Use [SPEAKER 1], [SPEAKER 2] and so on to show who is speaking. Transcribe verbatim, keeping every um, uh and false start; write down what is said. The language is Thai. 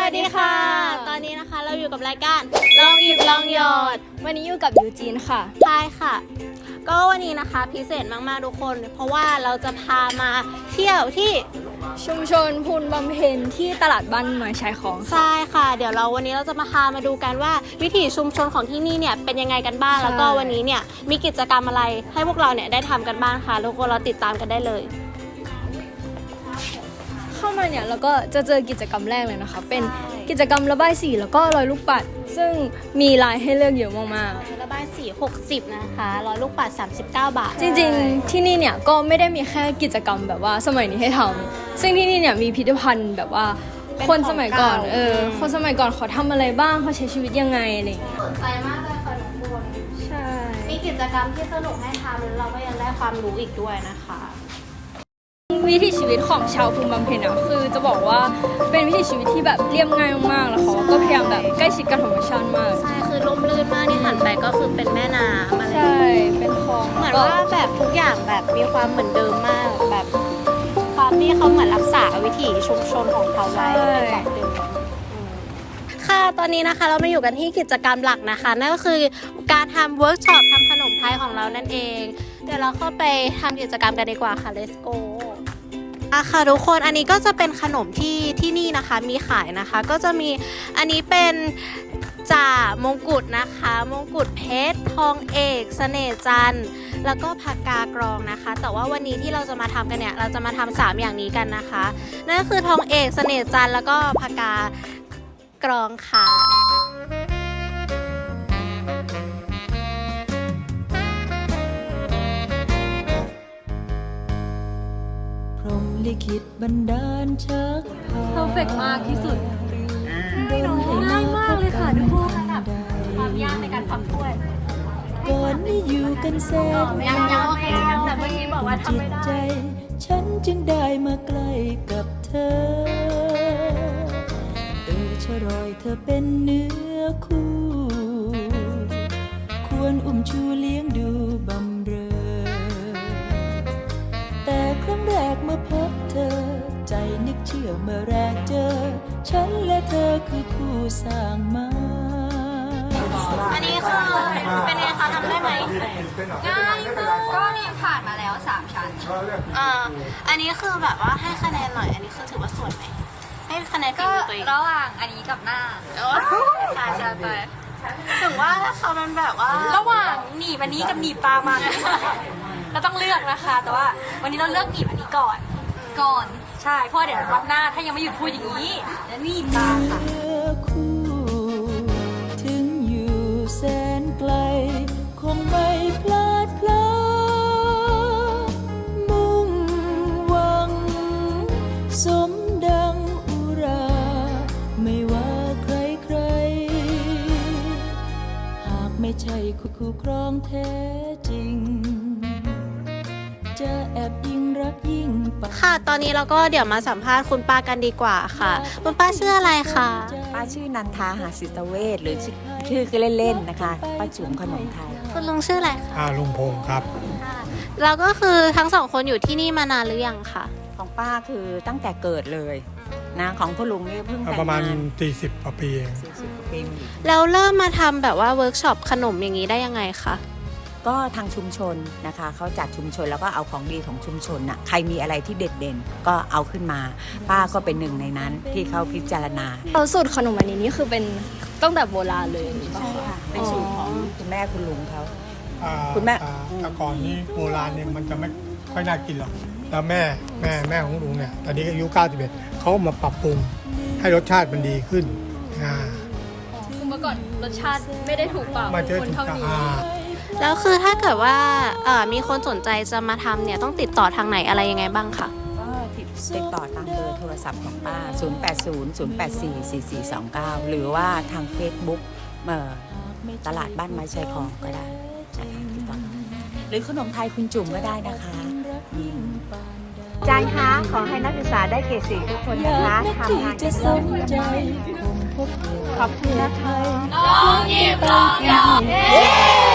[SPEAKER 1] สดีค่ะตอนนี้นะคะเราอยู่กับรายการลองหยิบลองหยอด
[SPEAKER 2] วันนี้อยู่กับยูจีนค่ะ
[SPEAKER 1] ใช่ค่ะก็วันนี้นะคะพิเศษมากๆทุกคนเพราะว่าเราจะพามาเที่ยวที่
[SPEAKER 2] ชุมชนพูนบำเพ็ญที่ตลาดบ้านไม้ชายของ
[SPEAKER 1] ใช่ค่ะเดี๋ยวเราวันนี้เราจะมาพามาดูกันว่าวิถีชุมชนของที่นี่เนี่ยเป็นยังไงกันบ้างแล้วก็วันนี้เนี่ยมีกิจกรรมอะไรให้พวกเราเนี่ยได้ทำกันบ้างค่ะทุกคนเราติดตามกันได้เลย
[SPEAKER 2] เข้ามาเนี่ยเราก็จะเจอกิจกรรมแรกเลยนะคะเป็นกิจกรรมระบายสีแล้วก็ลอยลูกปัดซึ่งมีลายให้เลือกเยอะมาก
[SPEAKER 1] ๆระบายสีหกสิบนะคะลอยลูกปัดสามสิบเก้าบาท
[SPEAKER 2] จริงๆที่นี่เนี่ยก็ไม่ได้มีแค่กิจกรรมแบบว่าสมัยนี้ให้ทำซึ่งที่นี่เนี่ยมีพิพิธภัณฑ์แบบว่าคนสมัยก่อนเออคนสมัยก่อนเขาทำอะไรบ้างเขาใช้ชีวิตยังไงอะไรอย่างเงี้ย
[SPEAKER 1] สนใจมากเลยค่ะทุกคน
[SPEAKER 2] ใช่
[SPEAKER 1] มีกิจกรรมที่สนุกให้ทำแล้วเราก็ยังได้ความรู้อีกด้วยนะคะ
[SPEAKER 2] วิถีชีวิตของชาวภูมิบำเพ็ญอ่ะคือจะบอกว่าเป็นวิถีชีวิตที่แบบเรียบง่ายมากๆแล้วเขาก็พยายามแบบใกล้ชิดกับธรรมชาติมาก
[SPEAKER 1] ใช่คือร่มรื่นมากที่หันไปก็คือเป็นแม่น้ำอะไร
[SPEAKER 2] ใช่เป็นคลอง
[SPEAKER 1] เหมือนว่าแบบทุกอย่างแบบมีความเหมือนเดิมมากแบบความที่เขาเหมือนรักษาวิถีชุมชนของเขาไว้เป็นแบบเดิมค่ะตอนนี้นะคะเรามาอยู่กันที่กิจกรรมหลักนะคะนั่นก็คือการทำเวิร์กช็อปทำขนมไทยของเรานั่นเองเดี๋ยวเราเข้าไปทำกิจกรรมกันดีกว่าค่ะ let's goอะค่ะทุกคนอันนี้ก็จะเป็นขนมที่ที่นี่นะคะมีขายนะคะก็จะมีอันนี้เป็นจ่ามงกุฎนะคะมงกุฎเพชรทองเอกเสน่ห์จันทร์แล้วก็ผักกากรองนะคะแต่ว่าวันนี้ที่เราจะมาทำกันเนี่ยเราจะมาทำสามอย่างนี้กันนะคะนั่นก็คือทองเอกเสน่ห์จันทร์แล้วก็ผักกากรองค่ะ
[SPEAKER 3] ลิขิตบันดาลชักพา
[SPEAKER 2] เพอร์เฟกต์มากที่สุด
[SPEAKER 1] ง่ายมากเลยค่ะทุกคนแบบความยากในการพับถ้วย
[SPEAKER 3] ก่อนนี้อยู่กันแสน
[SPEAKER 1] ยังยังโอเคแต่เมื่อกี้บอกว่าทำไม่ได้
[SPEAKER 3] ฉันจึงได้มาใกล้กับเธอเออชะรอยเธอเป็นเนื้อคู่ควรอุ้มชูเลี้ยงดูบำเรอแต่ครั้งแรกเมื่อพบเธอใจนึกเชื่อเมื่อแรกเจอฉันและเธอคือคู่สร้างมา
[SPEAKER 1] อันนี้คือเป็นไงคะทำได้ไหม
[SPEAKER 2] ง่ายมากก็นี่ผ่านมาแล้วสามชั้น
[SPEAKER 1] อ่าอันนี้คือแบบว่าให้คะแนนหน่อยอันนี้คือถือว่าสวยไหมให้คะแนนฝีมือตัวเอง
[SPEAKER 2] ระหว่างอันนี้กับหน้า
[SPEAKER 1] ใช่ใช่ไปถึงว่าเขามันแบบว่า
[SPEAKER 2] ระหว่างหนีบอันนี้กับหนีบปลามันเราต้องเลือกนะคะแต่ว่าวันนี้เราเลือกหนีบอันนี้ก่อนก่อนใช่เพราะเดี๋ยวรับหน้าถ้ายังไม่หยุดพูดอย่างนี้แล้วหนีบปลาค่ะ
[SPEAKER 3] ถึงอยู่แสนไกลคงไม่พลาดพลั้งมุ่งหวังสมดังอุราไม่ว่าใครใครหากไม่ใช่คู่คู่ครองแท้จริงจะแอบยิ่งรักยิ่ง
[SPEAKER 1] ค่ะตอนนี้เราก็เดี๋ยวมาสัมภาษณ์คุณป้ากันดีกว่าค่ะคุณป้าชื่ออะไรคะ
[SPEAKER 4] ป้าชื่อนันทาหาสิตเวชหรือชื่อคือเล่นๆนะคะป้าจุ๋มขนมไทย
[SPEAKER 1] คุณลุงชื่ออะไรคะ
[SPEAKER 5] ลุงพงศ์ครับ
[SPEAKER 1] แล้วก็คือทั้งสองคนอยู่ที่นี่มานานหรือยังคะ
[SPEAKER 4] ของป้าคือตั้งแต่เกิดเลยนะของพ่อลุงนี่เพิ่งแต่งงาน
[SPEAKER 5] ประมาณสี่สิบกว่าปีเอง
[SPEAKER 1] แล้วเริ่มมาทำแบบว่าเวิร์กช็อปขนมอย่างนี้ได้ยังไงคะ
[SPEAKER 4] ก็ทางชุมชนนะคะเขาจัดชุมชนแล้วก็เอาของดีของชุมชนน่ะใครมีอะไรที่เด็ดเด่นก็เอาขึ้นมาป้าก็เป็นหนึ่งในนั้นที่เขาพิจารณา
[SPEAKER 2] สูตรขนมอันนี้นี่คือเป็นตั้งแต่โบราณเลย
[SPEAKER 4] ใช่ค่ะเป็นสูตรของคุณแม่คุณลุงเขา
[SPEAKER 5] คุณแม่แต่ก่อนนี้โบราณเนี่ยมันจะไม่ค่อยน่ากินหรอกแล้วแม่แม่แม่ของลุงเนี่ยตอนนี้อายุเก้าสิบเอ็ดเขามาปรับปรุงให้รสชาติมันดีขึ้นอ่า
[SPEAKER 2] คือเมื่อก่อนรสชาติไม่ได้ถูกปากคนเท่านี้
[SPEAKER 1] แล้วคือถ้าเกิดว่ามีคนสนใจจะมาทำเนี่ยต้องติดต่อทางไหนอะไรยังไงบ้างคะ
[SPEAKER 4] ก็ติดต่อตามเบอร์โทรศัพท์ของป้าศูนย์ แปด ศูนย์ ศูนย์ แปด สี่ สี่ สี่ สอง เก้าหรือว่าทาง Facebook เอ่อตลาดบ้านไม้ชายคลองก็ได้นะคะติดต่อหรือขนมไทยคุณจุ๋มก็ได้นะคะ
[SPEAKER 6] อาจารย์คะขอให้นักศึกษาได้เกรดสี่ทุกคนนะคะทำงาน
[SPEAKER 3] จะสนใจคงพบ
[SPEAKER 6] ขอบคุณนะคะ
[SPEAKER 1] ลองหยิบลองหยอด